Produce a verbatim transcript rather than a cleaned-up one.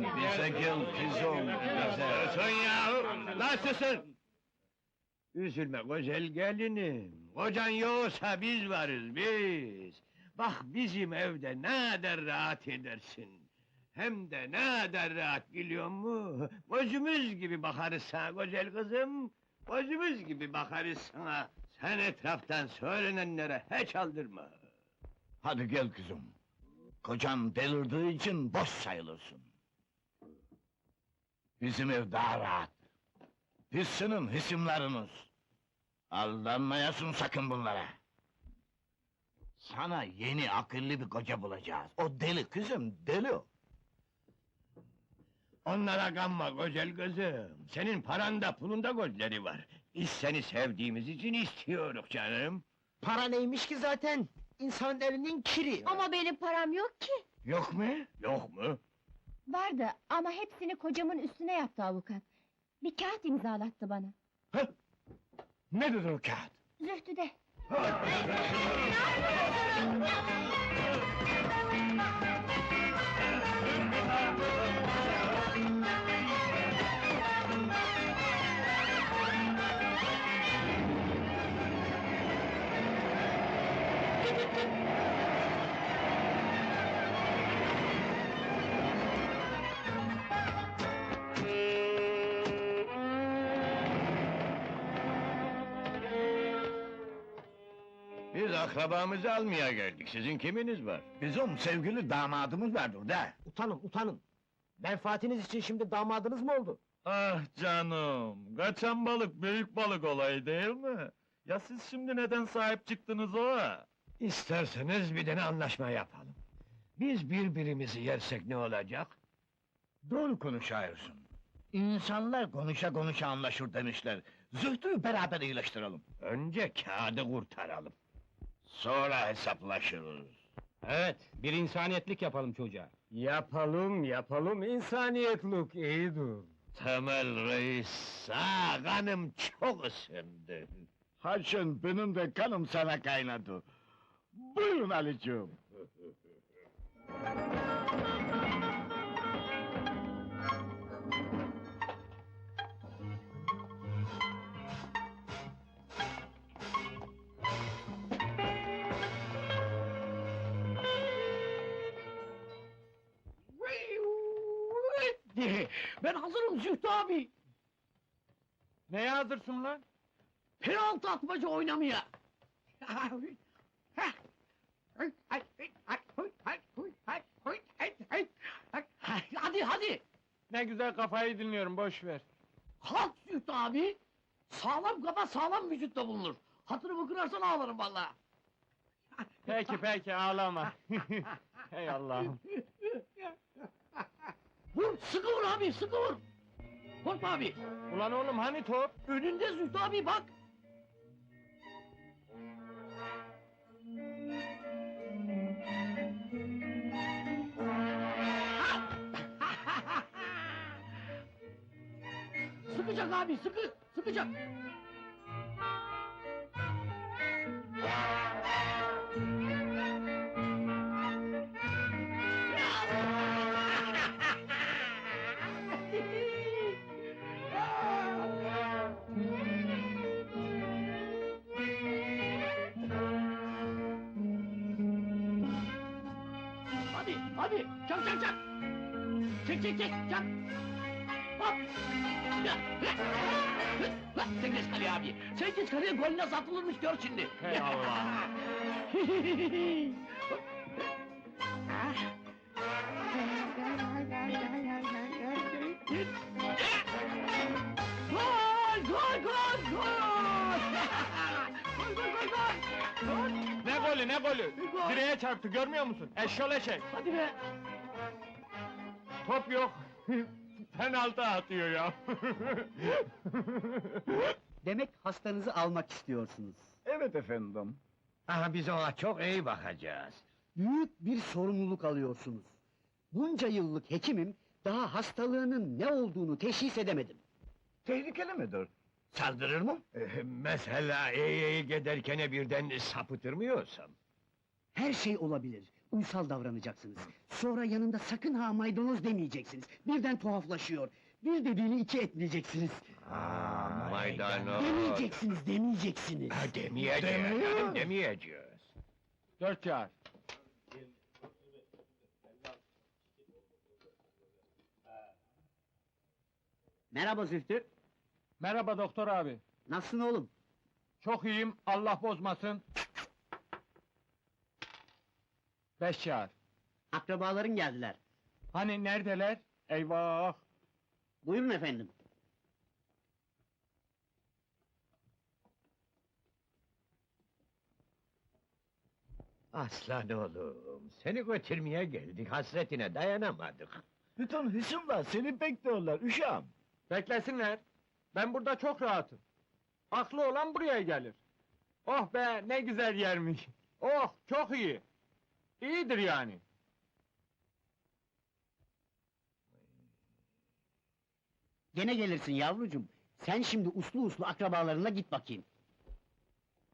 bize gel kızım, bize. Susun ya! Lan susun! Üzülme güzel gelinim, kocan yoksa biz varız biz. Bak bizim evde ne kadar rahat edersin. Hem de ne kadar rahat biliyor musun? Gözümüz gibi bakarız sana güzel kızım. Gözümüz gibi bakarız sana. Sen etraftan söylenenlere hiç aldırma. Hadi gel kızım. Kocan delirdiği için boş sayılırsın. Bizim ev daha rahat. Biz senin hisimleriniz. Aldanmayasın sakın bunlara. Sana yeni akıllı bir koca bulacağız. O deli kızım, deli o. Onlara kanma güzel kızım. Senin paranda pulunda gözleri var. Biz seni sevdiğimiz için istiyoruz canım. Para neymiş ki zaten? İnsanın elinin kiri. Ama benim param yok ki. Yok mu? Yok mu? Vardı ama hepsini kocamın üstüne yaptı avukat. Bir kağıt imzalattı bana. Hı? Nedir o kağıt? Zühtüde. Biz akrabamızı almaya geldik. Sizin kiminiz var? Bizim sevgili damadımız vardır da. Utanın, utanın! Menfaatiniz için şimdi damadınız mı oldu? Ah canım! Kaçan balık büyük balık olayı değil mi? Ya siz şimdi neden sahip çıktınız o? İsterseniz bir tane anlaşma yapalım. Biz birbirimizi yersek ne olacak? Doğru konuşuyorsun. İnsanlar konuşa konuşa anlaşır demişler. Zühtü beraber iyileştirelim. Önce kağıdı kurtaralım. Sonra hesaplaşırız. Evet, bir insaniyetlik yapalım çocuğa. Yapalım, yapalım, insaniyetlik iyidir. Temel reis, sağ kanım çok ısındı. Haşın benim de kanım sana kaynadı. Buyurun Ali'cığım. Ben hazırım Zühtü abi! Neye hazırsın lan? Penaltı atmaca oynamaya! Hadi hadi! Ne güzel kafayı dinliyorum, boş ver. Kalk Zühtü abi! Sağlam kafa sağlam vücutta bulunur. Hatırımı kırarsan ağlarım vallahi. Peki peki, ağlama. Hey Allah'ım! Vur, sıkı vur abi, sıkı vur! Korkma abi! Ulan oğlum hani top? Önünde Zühtü abi bak! Sıkacak abi, sıkı, sıkacak! Hadi, hadi, çak çak çak! Çek çek çek, çak! Hop! Ya, lan, sen geç kaleye abi! Sen geç kaleye, gol nasıl atılırmış gör şimdi! Hey Allah! Gol, gol, gol, gol! Gol, gol, gol, gol! Gol! Ne golü, ne golü? Gol! Direğe çarptı, görmüyor musun? Eşşol eşek! Hadi be! Top yok! Penaltı atıyor ya! Demek hastanızı almak istiyorsunuz. Evet efendim. Aha biz ona çok iyi bakacağız. Büyük bir sorumluluk alıyorsunuz. Bunca yıllık hekimim, daha hastalığının ne olduğunu teşhis edemedim. Tehlikeli midir? Saldırır mı? Ee, mesela iyi iyi giderken birden sapıtır mı yoksam? Her şey olabilir. uysal davranacaksınız. Sonra yanında sakın ha maydanoz demeyeceksiniz. Birden tuhaflaşıyor. Bir dediğini iki etmeyeceksiniz. Aa, maydanoz. Demeyeceksiniz, demeyeceksiniz. Ha, demeyeceğiz, canım, demeyeceğiz. Dört kağıt. Merhaba Zühtü. Merhaba doktor abi. Nasılsın oğlum? Çok iyiyim, Allah bozmasın. Beş kağıt. Akrabaların geldiler. Hani neredeler? Eyvah! Buyurun efendim. Aslan oğlum, seni götürmeye geldik, hasretine dayanamadık. Bütün hısımlar seni bekliyorlar uşağım. Beklesinler. Ben burada çok rahatım. Aklı olan buraya gelir. Oh be, ne güzel yermiş. Oh, çok iyi. İyidir yani. Gene gelirsin yavrucuğum. Sen şimdi uslu uslu akrabalarına git bakayım.